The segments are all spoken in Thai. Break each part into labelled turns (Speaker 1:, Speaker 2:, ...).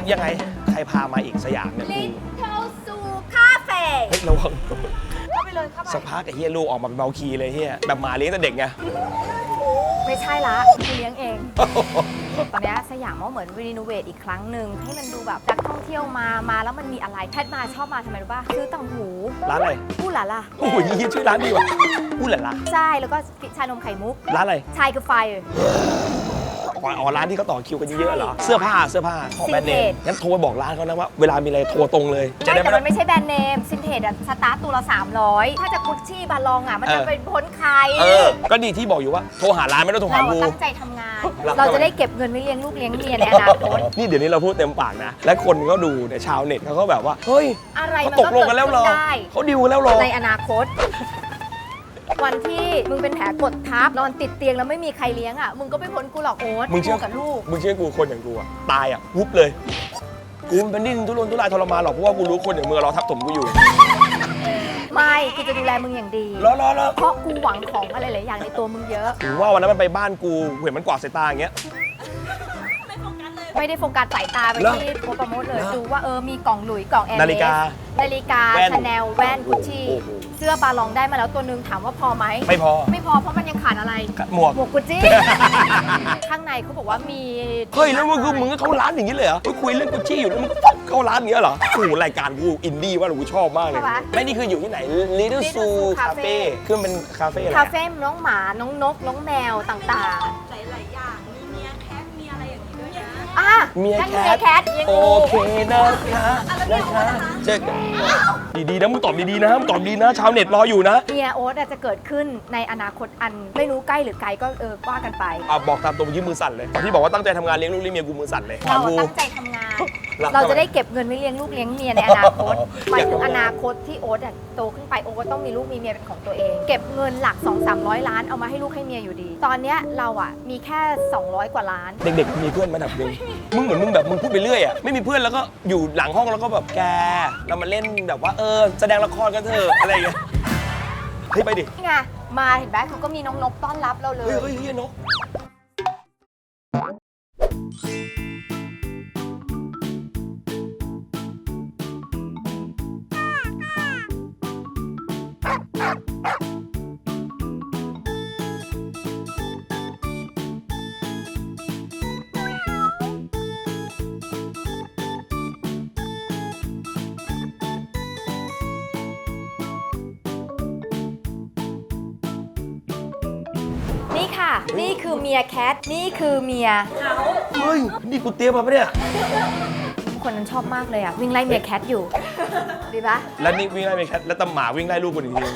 Speaker 1: ยังไงใครพามาอีกสยามเนี่ย
Speaker 2: Little Zoo Cafe
Speaker 1: เฮ้ยเรา
Speaker 2: เข้าไปเลยเข้าไป
Speaker 1: สักพักไอ้เฮียลูกออกมาเป็นเบาคีเลยเฮียแบบหมาเลี้ยงแต่เด็กไง
Speaker 2: ไม่ใช่ละกูเลี้ยงเอง ตอนนี้สยามว่าเหมือนรีโนเวทอีกครั้งหนึ่งให้มันดูแบบนักท่องเที่ยวมาแล้วมันมีอะไรแพทมาชอบมาทำไมรู้ป่ะซื้อต่างหู
Speaker 1: ร้านอะไร
Speaker 2: อู้หล่ะล่ะ
Speaker 1: โอ้ยยี่ชื่อร้านดีว่ะอู้หล่ะล่ะ
Speaker 2: ใช่แล้วก็ชานมไข่มุก
Speaker 1: ร้านอะไร
Speaker 2: ชายกับไฟ
Speaker 1: อ๋อร้านที่เขาต่อคิวกันเยอะๆเหรอเสื้อผ้าของแบรนด์เนม
Speaker 2: Vintage
Speaker 1: งั้นโทรไปบอกร้านเขานะว่าเวลามีอะไรโทรตรงเลยจะ
Speaker 2: ไม่
Speaker 1: ได้
Speaker 2: แต่
Speaker 1: ไม่
Speaker 2: มันไม่ใช่แบรนด์เนมซินเทจอะสตาร์ตตัวละ300ถ้าจะกุชชี่บาลองอะมันจะไปพ้นใคร
Speaker 1: ก็ดีที่บอกอยู่ว่าโทรหาร้านไม่ต้องโทรหา
Speaker 2: เรา
Speaker 1: กู
Speaker 2: ตั้งใจทำงาน
Speaker 1: รัก
Speaker 2: เราจะได้เก็บเงินไว้เลี้ยงลูกเลี้ยงเมียในอนาคต
Speaker 1: นี่เดี๋ยวนี้เราพูดเต็มปากนะ และคนก็ดูเนี่ยชาวเน็ตเขาก็แบบว่าเฮ้ย
Speaker 2: อะไร
Speaker 1: เขา
Speaker 2: มัน
Speaker 1: ต
Speaker 2: ก็
Speaker 1: กลงกันแล้วเหรอ
Speaker 2: เกิดขึ้นได้
Speaker 1: เขาดิวกันแล้วเหรอ
Speaker 2: ในอนาคต วันที่มึงเป็นแผลกดทับนอนติดเตียงแล้วไม่มีใครเลี้ยงอ่ะมึงก็ไม่พ้นกูหรอกโอ๊ต
Speaker 1: มึงเชื่อ
Speaker 2: กูกับลูก
Speaker 1: มึงเชื่อกูคนอย่างกูอะตายอะวุบเลยกูมันเป็นดิ้นทุรนทุรายทรมานหรอกเพราะว่ากูรู้คนอย่างมึงรอทับถมกูอยู่
Speaker 2: ไม่กูจะดูแลมึงอย่างดี
Speaker 1: รอ
Speaker 2: เพราะกูหวังของอะไรหลายอย่างในตัวมึงเยอะ
Speaker 1: ถึงว่าวันนั้นมันไปบ้านกูเห็นมันกวาดสายตาอย่างเงี้ย
Speaker 2: ไม่ได้โฟกัสสายตาไป
Speaker 1: เหรอ
Speaker 2: ที่โพสต์โปรโมทเลยดูว่ามีกล่องหลุยส์กล่องแอร์
Speaker 1: นาฬิกา
Speaker 2: แว่นชาแนลแว่นกุชชี่
Speaker 1: โอ้โห
Speaker 2: เสื้อบาลองได้มาแล้วตัวนึงถามว่าพอไหม
Speaker 1: ไม่พอ
Speaker 2: ไม่พอเพราะมันยังขาดอะไร
Speaker 1: หมวก
Speaker 2: กุชชี่ ข้างในเขาบอกว่ามี
Speaker 1: เฮ้ยแล้วมึงก็เข้าร้านอย่างนี้เลยเหรอเฮ้ยคุยเรื่องกุชชี่อยู่แล้วมึงเข้าร้านอย่างเงี้ยเหรอโอ้โหรายการกูอินดี้ว่ากูชอบมากเลยไม่นี่คืออยู่ที่ไหน Little Zoo Cafe คือมันเป็นคาเฟ่อะไร
Speaker 2: คา
Speaker 1: อะ
Speaker 2: เฟ่น้องหมาน้องนกน้องแมวต่าง
Speaker 3: หลาย ๆ อย่าง มีเมียแคท มีอะไรอย่างนี้ด้วยนะ
Speaker 2: ๆอ่ะ
Speaker 1: เมีย
Speaker 2: นั่น
Speaker 1: แค
Speaker 2: เมีย
Speaker 1: ท
Speaker 2: แคทยัง
Speaker 1: โอ
Speaker 2: มี
Speaker 1: เคนะคะเจ๊ดีๆนะมึงตอบดีๆนะมึงตอบดีนะชาวเน็ตรออยู่นะ
Speaker 2: เมียโอ๊ตอาจจะเกิดขึ้นในอนาคตอันไม่รู้ใกล้หรือไกลก็ว่ากันไป
Speaker 1: บอกตามตรงยืมมือสั่นเลยตอนที่บอกว่าตั้งใจทำงานเลี้ยงลูกเลี้ยงเมียกูมือสั่นเลย
Speaker 2: เรา
Speaker 1: กู
Speaker 2: ตั้งใจทำงาน
Speaker 1: รัก
Speaker 2: เราจะได้เก็บเงินไว้เลี้ยงลูกเลี้ยงเมียในอนาคตหมายถึงอนาคตที่โอ๊ตอะโตขึ้นไปโอ๊ตต้องมีลูกมีเมียเป็นของตัวเอง เก็บเงินหลัก 200-300 ล้านเอามาให้ลูกให้เมียอยู่ดี ตอนเนี้ยเราอะมีแค่ 200 กว่าล้าน
Speaker 1: เด็กๆมีเพื่อนมาดับหนึงมึงเหมือนมึงแบบมึงพูดไปเรื่อยอ่ะไม่มีเพื่อนแล้วก็อยู่หลังห้องแล้วก็แบบแกเรามาเล่นแบบว่าแสดงละครกันเถอะอะไรอย่างเงี้ยเฮ้ยไปดิ
Speaker 2: นี่ไงมาเห็นไหมเขาก็มีน้องนกต้อนรับเราเลย
Speaker 1: เฮ้ยนก
Speaker 2: นี่ค่ะ นี่คือเมียแคทนี่คือเมีย
Speaker 1: เฮ้ยนี่กูเตรียมมาปะเนี่ย
Speaker 2: คนนั้นชอบมากเลยอะวิ่งไล่เมียแคทอยู่ดีปะ
Speaker 1: แล้วนี่วิ่งไล่ไปแคทแล้วตำหมาวิ่งไล่ลูกกูอีกที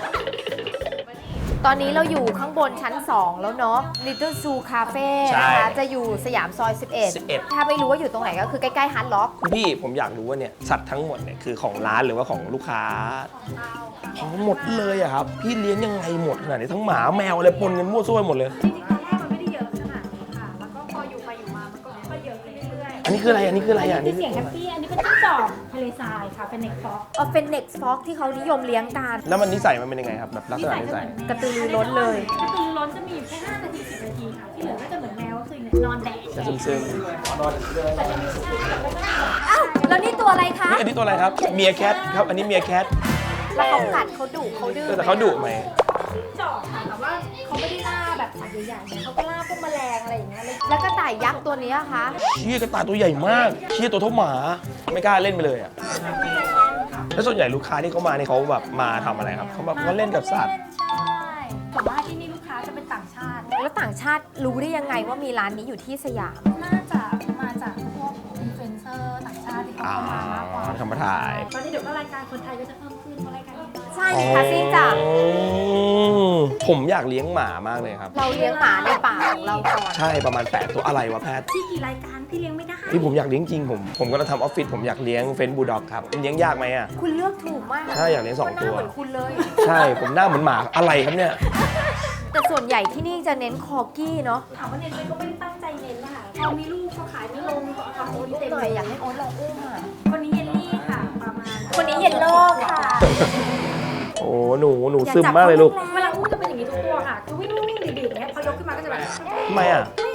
Speaker 2: ตอนนี้เราอยู่ข้างบนชั้น 2 แล้วเนาะ Little Zoo Cafe นะคะจะอยู่สยามซอย 11 ถ้าไม่รู้ว่าอยู่ตรงไหนก็คือใกล้ๆฮาร์ดล็อก
Speaker 1: พี่ผมอยากรู้ว่าเนี่ยสัตว์ทั้งหมดเนี่ยคือของร้านหรือว่าของลูกค้าของหมดเลยอะครับพี่เลี้ยงยังไงหมดขนาดนี้ทั้งหมาแมวอะไรปนกันมั่วซั่วไปหมดเลย
Speaker 3: จริงๆตอนแรกมันไม่ได้เยอะขนาดนี้ค่ะ แล้วก็พออยู่ไปอยู่มา มันก็ค่อยๆเยอะขึ้นเรื่อย
Speaker 1: อันนี้คืออะไรอันนี้คืออะไรอ่ะ
Speaker 3: ๆนี่เสียงแฮปปี้ อันนี้เป็นจิ้งจอกทะเลทรายค่ะ เป็นเน็กฟ็อก
Speaker 2: เป็น Next Fox ที่เขานิยมเลี้ยงกัน
Speaker 1: แล้วมันนิสัยมันเป็นยังไงครับแบบลักษณะนิสัย
Speaker 2: กระตือรือร้นเลย
Speaker 3: ถ้าคือร้อนจะมีอยู่แค่5 นาที 10 นาทีค่ะ ที่เหลือก็จะเหมือนแมวก็คือนอนแดด
Speaker 1: จะซึมๆนอน
Speaker 2: อ้าวแล้วนี่ตัวอะไรคะ
Speaker 1: อันนี้ตัวอะไรครับเมียแคทครับอันนี้เมียแคท
Speaker 2: แล้วเขากัดเขาดุเขาดื้อ
Speaker 1: แต่เขาดุไหม
Speaker 3: จิ้งจอกค่ะ แต่ว่าเขาไม่ได้ล่าแบบสัตว์ใหญ่ๆเนี่ยเขาก็ล่าพวกแมลงอะไรอย่างเงี้ยเลย
Speaker 2: แล้วก็ต่ายยักษ์ตัวนี้คะ
Speaker 1: เชี่ยกระต่ายตัวใหญ่มากเชี่ยตัวเท่าหมาไม่กล้าเล่นไปเลยอ่ะแล้วส่วนใหญ่ลูกค้าที่เขามาเนี่ยเขาแบบมาทำอะไรครับเขาแบบเขาเล่นกับสัตว์
Speaker 3: ใช่แต่ว่าที่นี่ลูกค้าจะเป็นต่างชาติ
Speaker 2: แล้วต่างชาติรู้ได้ยังไงว่ามีร้านนี้อยู่ที่สยาม
Speaker 3: น่าจะมาจากพวกอินฟลูเอนเซอร์ต่างชาติที่เขาเข้ามามากกว่า
Speaker 1: ทำมาถ่าย
Speaker 3: ตอนนี้เดี๋ยวก็รายการคนไทยก็จะเพิ่มขึ้นเพราะรายการนี้
Speaker 2: ใช่มีคาซิ่งจ้ะ
Speaker 1: ผมอยากเลี้ยงหมามากเลยครับ
Speaker 2: เราเลี้ยงหมาในป่าของเราก่อน
Speaker 1: ใช่ประมาณ8ตัวอะไรวะแพท
Speaker 3: ที่กี่รายการพี่เลี้ยงไม่ได้
Speaker 1: พี่ผมอยากเลี้ยงจริงผมก็จะทำออฟฟิศผมอยากเลี้ยงเฟนบูลด็อกครับเลี้ยงยากไหมอ่ะ
Speaker 2: คุณเลือกถูกมาก
Speaker 1: ใช่อยากเลี้ยงสองตัว
Speaker 2: หน้าเหมือนคุณเลย
Speaker 1: ใช่ผมหน้าเหมือนหมาอะไรครับเนี่ย
Speaker 2: แต่ส่วนใหญ่ที่นี่จะเน้นคอกี้เนาะ
Speaker 3: ถามว่าเน้นไหมก็ไม่ได้ตั้งใจเน้นนะคะพอมีลูกเขาขายไม่ลงก็เอาโอน
Speaker 2: ลูก
Speaker 3: เต็ม
Speaker 2: หน่อยอยากให้โอ๊ตลองอุ้มอ่ะ
Speaker 3: คนนี้เยลลี่ค่ะ ประมาณ
Speaker 2: คนนี้เย็นโลกค่ะ
Speaker 1: โอ้หนูซึมมากเลยลูก
Speaker 3: เวลาอุ้มจะเป็นอย่างนี้ทุกตัวค่ะ คือวิ่งๆดีๆอย่างเงี้ยพอยกขึ้นมาก็จะแบบ
Speaker 1: ทำไมอ่ะ
Speaker 3: ไม่รู้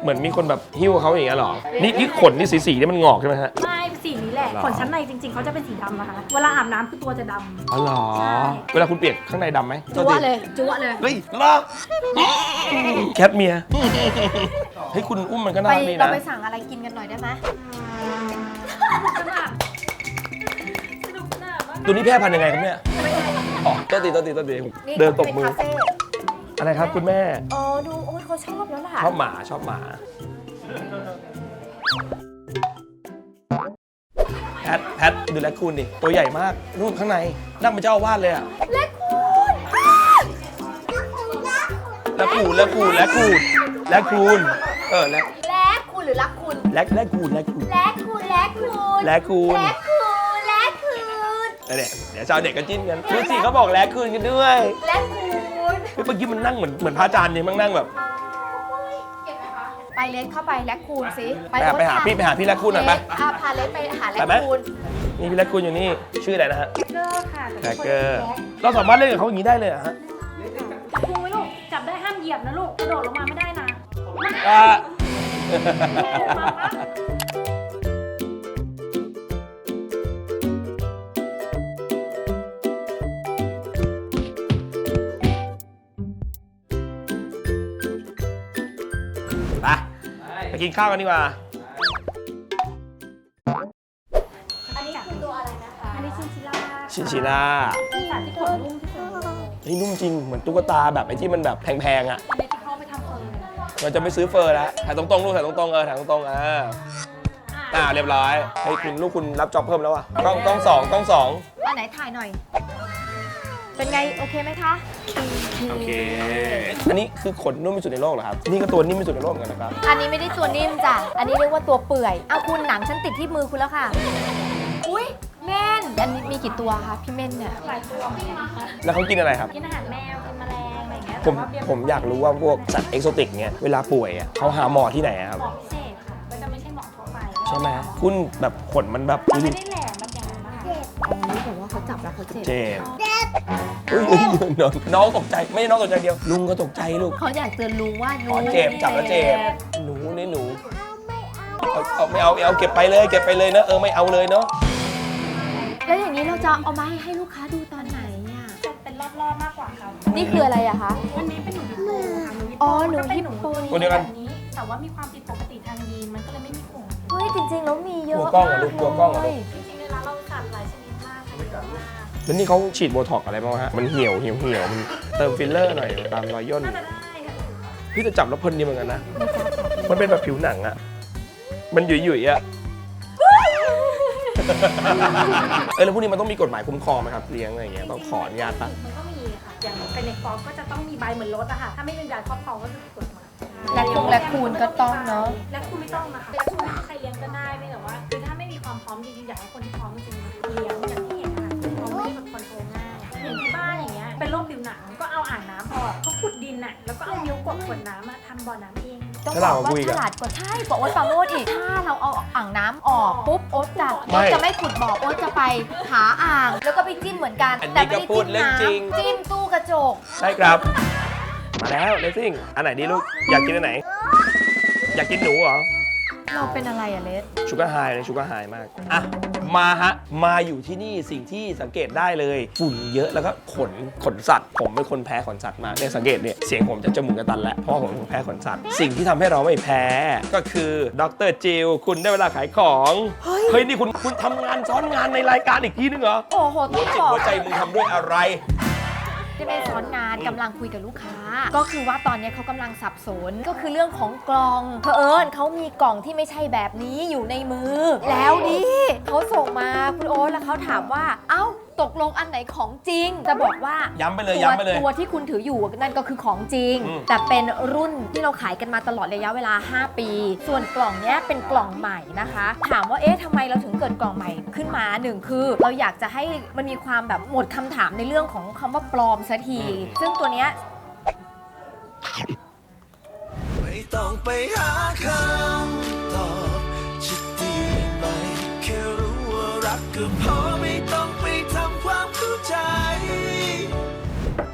Speaker 1: เหมือนมีคนแบบหิ้วเขาอย่างเงี้ยหรอนี่ขนนี่สีนี่มันงอกใช่ไหมฮะ
Speaker 3: ไม่สีนี้แหละ
Speaker 1: หรอ
Speaker 3: ขนชั้นในจริงๆเขาจะเป็นสีดำนะคะ เวลาอาบน้ำคือตัวจะดำ
Speaker 1: อ๋อเหรอ
Speaker 3: ใช่
Speaker 1: เวลาคุณเปียกข้างในดำไหม
Speaker 2: จั่วเลยจั่วเลย
Speaker 1: เฮ้ยเหรอแคทเมียเฮ้ยคุณอุ้มมันก็น่า
Speaker 2: ไป
Speaker 1: รักดี
Speaker 2: เรา
Speaker 1: นะ
Speaker 2: ไปสั่งอะไรกินกันหน่อยได้ไหม
Speaker 3: สนุกสนานมาก
Speaker 1: ตัวนี้แพร่พันธุ์ยังไงครับเนี่ยอ๋อต้นตีเดินตบมือ
Speaker 2: ป็คาเฟ่
Speaker 1: อะไรครับคุณแม่
Speaker 2: อ๋อดูโอ้ยเขาชอบแล้วล่ะ
Speaker 1: ชอบหมาแพทดูแลคุณดิตัวใหญ่มากนู่นข้างในนั่งเป็นเจ้าอาวาสเลยอะ
Speaker 2: และคุณ
Speaker 1: และคูนเออและ
Speaker 2: และคุณหรือรักคุณ
Speaker 1: และคูน
Speaker 2: และคุณและคุณ
Speaker 1: และคูน
Speaker 2: และคุณ
Speaker 1: และคูน
Speaker 2: และคุณและคุณ
Speaker 1: เดี๋ยวชาวเด็กก็จิ้นกันดูสิเขาบอกและคูนกันด้วย
Speaker 2: และคุณ
Speaker 1: เมื่อกี้มันนั่งเหมือนพระอาจารย์เนี่ยมันนั่งแบบ
Speaker 2: ไปเลนเข้าไปและคูณสิ
Speaker 1: ไปหาพี่และคูนหน่อยไป
Speaker 2: พาเลนไปหาและ
Speaker 1: ไปไหม
Speaker 2: คูณ
Speaker 1: นี่พี่และคูนอยู่นี่ชื่ออะไรนะฮะ
Speaker 3: เกอร์ค่ะ
Speaker 1: แครกเกอร์เราสามารถเล่นกับเขาอย่างนี้ได้เลยเหรอฮะ
Speaker 3: พุงไว้ลูก จับได้ห้ามเหยียบนะลูก กระโดดลงมาไม่ได้นะ
Speaker 1: อ่ะ ไปกินข้าวกันดีกว่า
Speaker 3: อันนี้คือตัวอะไรนะคะ อันนี้ชินชิล่า
Speaker 1: ชินชิล่า
Speaker 3: เป็นสัตว์ที่ขนนุ่มที่สุดในโลก
Speaker 1: เฮ้ยนุ่มจริงเหมือนตุ๊กตาแบบไอ้ที่มันแบบแพงๆอ่ะ
Speaker 3: อันนี้ที่เขาไปทำเฟอร์
Speaker 1: เราจะไม่ซื้อเฟอร์แล้วถ่ายตรงๆลูกถ่ายตรงๆถ่ายตรงๆเรียบร้อยเฮ้ยคุณลูกคุณรับจ็อบเพิ่มแล้วอ่ะต้องสอง
Speaker 2: อันไหนถ่ายหน่อย เป็นไงโอเคไหมคะ
Speaker 1: โอเคอันนี้คือขนนุ่มที่สุดในโลกเหรอครับนี่ก็ตัวนิ่มที่สุดในโลกเหมือนกันนะครับ
Speaker 2: อันนี้ไม่ได้ตัวนิ่มจ้ะ อันนี้เรียกว่าตัวเปื่อย เอาคุณหนังฉันติดที่มือคุณแล้วค่ะ อุ้ยเม่น อันนี้มีกี่ตัวคะพี่เม่นเนี่ย
Speaker 3: หลายตัวเหมือนกันนะคะ
Speaker 1: แล้วเขากินอะไรครับ
Speaker 3: กินอาหารแมว กินแมลงอะไรอย่างเงี้ย
Speaker 1: ผมอยากรู้ว่าพวกสัตว์เอกโซติกเนี่ยเวลาป่วยอ่ะเขาหาหมอที่ไหนอะครับ
Speaker 3: หมอพิเศษค่ะ ก็จะไม่ใช่หมอทั่วไป
Speaker 1: ใช่ไหมคุณแบบขนมันแบบ
Speaker 3: มันไม่ได้แหลมแบบอย่างนั้นนะคะ
Speaker 2: อันนี้บอกว่าเขาจับแล้วเขาเจ็บ
Speaker 1: เจ็บน้องตกใจไม่ใช่น้องตกใจเดียวลุงก็ตกใจลูก
Speaker 2: เขาอยากเตือนลุงว่า
Speaker 1: อ๋อเจ็บจับแล้วเจ็บหนูนี่หนูไม่เอาเก็บไปเลยนะไม่เอาเลยเนาะ
Speaker 2: แล้วอย่างนี้เราจะเอามาให้ลูกค้าดูตอนไหนอ่ะ
Speaker 3: จะเป็นรอบๆมากกว่าค่ะ
Speaker 2: นี่คืออะไรอะคะ
Speaker 3: อันนี้เป็นหนูฮิปโปค่ะหนูฮิป
Speaker 2: อ๋
Speaker 3: โป
Speaker 2: อหนู
Speaker 3: ก็เป็น
Speaker 2: ฮิปโป
Speaker 1: ตัวเดียวกัน
Speaker 3: แบบนี้ แต่ว่ามีความผิดปกติทางยีน มันก็เลยไม่มีขน
Speaker 2: เฮ้ยจริงๆแล้วมีเยอะ
Speaker 1: กลัวกล้องเหรอลูกกลัวกล้องเหรอ
Speaker 2: เล
Speaker 1: ลู
Speaker 2: ย
Speaker 1: ก
Speaker 3: จริงๆในร้านเราจัดหลายชนิดมากค่ะเยอะมาก
Speaker 1: แล้วนี่เขาฉีดโบท็อกอะไรบ้างฮะมันเหี่ยวมันเติมฟิลเลอร์หน่อยตามรอยย่น
Speaker 3: น่าจะได้ค่ะ
Speaker 1: พี่จะจับแล้วเพลินดีเหมือนกันนะมันเป็นแบบผิวหนังอะมันหยุ่ยๆอะแล้วพวกนี้มันต้องมีกฎหมายคุ้มครองไหมครับเลี้ยงอะไรอย่างเงี้ยต้องขออนุญาตปะ
Speaker 3: มันก็มีค่ะ อย่างเป็นในฟอร์มก็จะต้องมีใบเหมือนรถอะค่ะ ถ้าไม่มีใบครอบครองก็คือผิดกฎหมาย
Speaker 2: และคูณก็ต้องเนาะ
Speaker 3: และคูณไม่ต้องนะคะและคูณใครเลี้ยงก็ได้ไม่แต่ว่าคือถ้าไม่มีความพร้อมจริงๆอยากให้คนที่พร้อมจริงๆเลี้ยงอย่างที่เห็นค่ะเขาไม่ได้แบบคอนโทรลง่ายอย่างที่บ้านอย่างเงี้ยเป็นโรคผิวหนังก็เอาอ่างน้ำออกเขาขุดดินอะแล้วก็เอานิ้วกดขวดน้ำมาทำบ่อน้ำเอง
Speaker 2: ต้องบอกว่าฉลาดกว่าใช่บอกว่าปราโมดอีก ถ้าเราเอาอ่างน้ำออกปุ๊บโอ๊ตจะไม่ขุดบ่อโอ๊ตจะไปหาอ่าง แล้วก็ไปจิ้มเหมือนกัน แต่ไม่ได้จิ้มน้ำจิ้มตู้กระจก
Speaker 1: ใช่ครับมาแล้วเลซิ่งอันไหนดีลูกอยากกินอันไหนอยากกินหนูเหรอ
Speaker 2: เราเป็นอะไรอะเลส
Speaker 1: ชูการ์ไฮเลยชูการ์ไฮมากอ่ะมาอยู่ที่นี่สิ่งที่สังเกตได้เลยฝุ่นเยอะแล้วก็ขนสัตว์ผมเป็นคนแพ้ขนสัตว์มากเนี่ยสังเกตเนี่ยเสียงผมจะจมูกกระตันแล้วเพราะผมเป็นคนแพ้ขนสัตว์สิ่งที่ทำให้เราไม่แพ้ก็คือดรจิลคุณได้เวลาขายของเฮ้ยนี่คุณทำงานซ้อนงานในรายการอีกทีนึงเหรอ
Speaker 2: โอ้โหต้อง
Speaker 1: จิต
Speaker 2: บอก
Speaker 1: หัวใจมึงทำด้วยอะไร
Speaker 2: จะไม่ซ้อนงานกำลังคุยกับลูกค้า ก็คือว่าตอนนี้เขากำลังสับสนก็คือเรื่องของกล่องเผอิญเขามีกล่องที่ไม่ใช่แบบนี้อยู่ในมือ แล้วดิเขาส่งมาคุณโอ๊ตแล้วเขาถามว่าเอ้าตกลงอันไหนของจริง จะบอกว่า
Speaker 1: ย้ำไปเลย
Speaker 2: ตัวที่คุณถืออยู่นั่นก็คือของจริง แต่เป็นรุ่นที่เราขายกันมาตลอดระยะเวลา 5 ปี ส่วนกล่องเนี้ยเป็นกล่องใหม่นะคะ ถามว่าเอ๊ะทำไมเราถึงเกิดกล่องใหม่ขึ้นมาหนึ่งคือ เราอยากจะให้มันมีความแบบหมดคำถามในเรื่องของคำว่าปลอมสักที ซึ่งตัวเนี้ย
Speaker 4: ไม่ต้องไปหาคำตอบจะดีไหมแค่รู้ว่ารักก็พอไม่ต้องไปทำความเข้าใจ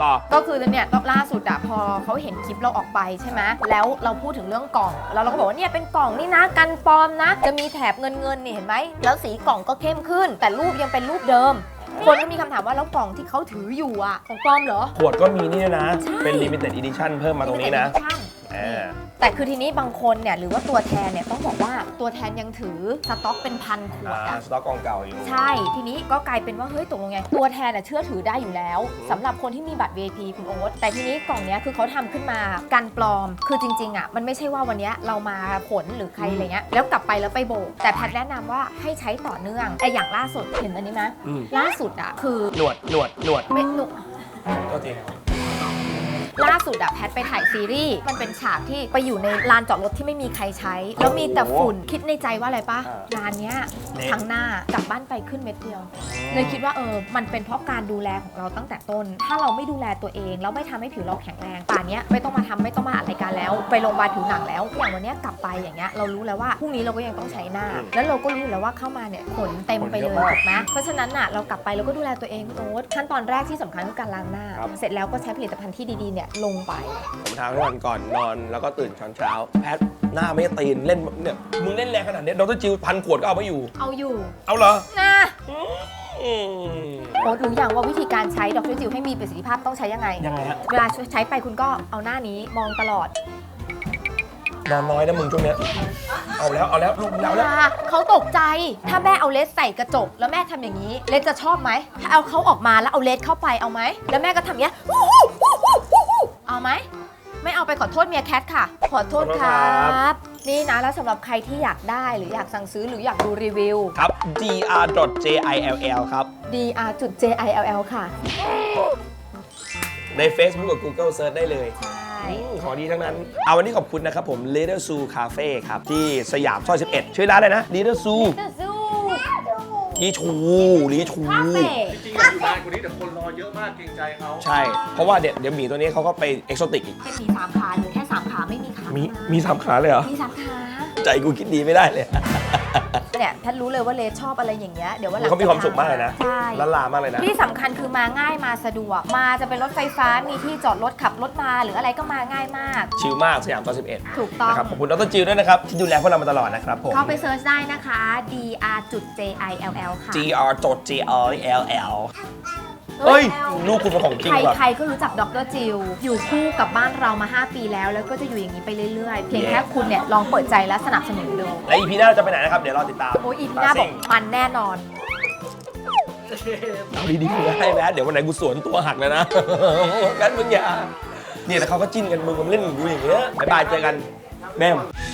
Speaker 1: ต่อ
Speaker 2: ก็คือเนี่ยล่าสุดอะพอเขาเห็นคลิปเราออกไปใช่ไหมแล้วเราพูดถึงเรื่องกล่องแล้วเราก็บอกว่าเนี่ยเป็นกล่องนี่นะกันปลอมนะ จะมีแถบเงินนี่เห็นไหมแล้วสีกล่องก็เข้มขึ้น แต่รูปยังเป็นรูปเดิม คนก็มีคำถามว่าแล้วกล่องที่เขาถืออยู่อะของปลอมเหรอ
Speaker 1: ขวดก็มีนี่ด้วยนะ
Speaker 2: ใช่
Speaker 1: เป็น limited edition เพิ่มมาตรงนี้นะ
Speaker 2: ใช่
Speaker 1: อ่า
Speaker 2: แต่คือทีนี้บางคนเนี่ยหรือว่าตัวแทนเนี่ยต้องบอกว่าตัวแทนยังถือสต็อกเป็นพันขวดอะ
Speaker 1: สต็อกกองเก่าอยู่
Speaker 2: ใช่ ทีนี้ก็กลายเป็นว่าเฮ้ยตกลงไงตัวแทนเชื่อถือได้อยู่แล้วสำหรับคนที่มีบัตร VIP คุณโอ๊ตแต่ทีนี้กล่องเนี้ยคือเขาทำขึ้นมากันปลอม คือจริงๆอ่ะมันไม่ใช่ว่าวันเนี้ยเรามาผลหรือใครอะไรเงี้ยแล้วกลับไปแล้วไปโบกแต่แพทย์แนะนำว่าให้ใช้ต่อเนื่องไออย่างล่าสุดเห็นอันนี้ไหม
Speaker 1: อืม
Speaker 2: ล่าสุดอ่ะคือ
Speaker 1: หนวด
Speaker 2: ไม่หนุ
Speaker 1: ก็ที
Speaker 2: ล่าสุดอะแพทไปถ่ายซีรีส์มันเป็นฉากที่ไปอยู่ในลานจอดรถที่ไม่มีใครใช้ แล้วมีแต่ฝุ่นคิดในใจว่าอะไรปะงานเนี้ยครั้งหน้ากลับบ้านไปขึ้นเม็ดเดียว เลยคิดว่ามันเป็นเพราะการดูแลของเราตั้งแต่ต้น ถ้าเราไม่ดูแลตัวเองแล้วไม่ทำให้ผิวเราแข็งแรงป่านเนี้ยไม่ต้องมาทำไม่ต้องมาอัดรายการแล้วไปโรงพยาบาลผิวหนังแล้วอย่างวันเนี้ยกลับไปอย่างเงี้ยเรารู้แล้วว่าพรุ่งนี้เราก็ยังต้องใช้หน้า แล้วเราก็รู้แล้วว่าเข้ามาเนี่ยขนเต็มไปเลยถูกไหมเพราะฉะนั้นน่ะเรากลับไปเราก็ดูแลตัวเองคุณโอ๊ตขั้นตอนแรกที่สำคัญคือการล้างหน้า เสร็จแล้วก็ใช้ผลิตภัณฑ์ที่ดีๆเนี่ยลงไป
Speaker 1: ผมทาทุกวันก่อนนอนแล้วก็ตื่นตอนเช้า แพทหน้าไม่ตีนเล่นเนี่ยมึงเล่นแรงขนาดนี้ดรจิว1,000 ขวดก็เอาไม่อยู่
Speaker 2: เอาอยู่
Speaker 1: เอาเหรอ
Speaker 2: นะ
Speaker 1: อืม
Speaker 2: โอ๊ตรู้อย่างว่าวิธีการใช้ดรจิวให้มีประสิทธิภาพต้องใช้ยังไง
Speaker 1: ยังไงฮะ
Speaker 2: เวลาใช้ไปคุณก็เอาหน้านี้มองตลอด
Speaker 1: นอนน้อยนะมึงช่วงเนี้ยเอาแล้วลูกแล้ว
Speaker 2: เขาตกใจถ้าแม่เอาเลสใส่กระจกแล้วแม่ทำอย่างนี้เลสจะชอบไหมถ้าเอาเขาออกมาแล้วเอาเลสเข้าไปเอาไหมแล้วแม่ก็ทำอย่างเงี้ยเอาไหมไม่เอาไปขอโทษเมียแคทค่ะ ขอโทษครับ นี่นะแล้วสำหรับใครที่อยากได้หรืออยากสั่งซื้อหรืออยากดูรีวิว
Speaker 1: ครับ dr.jill ครับ
Speaker 2: dr.jill ค่ะ
Speaker 1: ใน Facebook กับ Google Search ได้เลย
Speaker 2: ใช่
Speaker 1: ของดีทั้งนั้น เอาวันนี้ขอบคุณนะครับผม Little Zoo Cafe ครับ ที่สยามซอย 11 ชื่อร้านอะไรนะ Little Zoo ลีชู
Speaker 5: จริงๆอยู่นานกว่านี้แต่คนรอเยอะมากเกรงใจเขา
Speaker 1: ใช่ เพราะว่าเดี๋ยวหมีตัวนี้เขาก็ไปเอ็กโซติกอีก
Speaker 2: เป็นมี3ขาหรือแค่3ขาไม่มีขา
Speaker 1: มีสามขาเลยเหรอ
Speaker 2: มี3ขา
Speaker 1: ใจกูคิดดีไม่ได้เลย
Speaker 2: เนี่ยท่านรู้เลยว่าเลสชอบอะไรอย่างเงี้ยเดี๋ยววันหลัง
Speaker 1: เขามีความสุขมากเลยนะ
Speaker 2: ใช่
Speaker 1: ละลามากเลยนะ
Speaker 2: ที่สำคัญคือมาง่ายมาสะดวก มาจะเป็นรถไฟฟ้ามีที่จอดรถขับรถมาหรืออะไรก็มาง่ายมาก
Speaker 1: ชิลมากสยามซอย 11
Speaker 2: ถูกต้อง
Speaker 1: นะครับขอบคุณดรจิวด้วยนะครับ ที่ดูแลพวกเรามาตลอดนะครับผม
Speaker 2: เข้าไปเซิร์ชได้นะคะ dr.jill ค่ะ
Speaker 1: gr.jill เฮ้ย ลูกคุณเป็นของจริงว่ะ
Speaker 2: ใครๆก็รู้จักดรจิวอยู่คู่กับบ้านเรามา 5 ปีแล้ว แล้วก็จะอยู่อย่างนี้ไปเรื่อยๆ เพียงแค่คุณเนี่ยลองเปิดใจและสนับสนุนดู
Speaker 1: และอีพีหน้าจะไปไหนนะครับ เดี๋ยวรอติดตาม
Speaker 2: โอ้ยอีพีหน้าบอกมันแน่นอน
Speaker 1: เอาดีๆได้แมเดี๋ยววันไหนกูสวนตัวหักเลยนะ งั้นมึงอย่าเนี่ยแต่เขาก็จิ้นกันมึงก็เล่นกับกูอย่างเงี้ยบ๊ายบายเจอกันแม่ม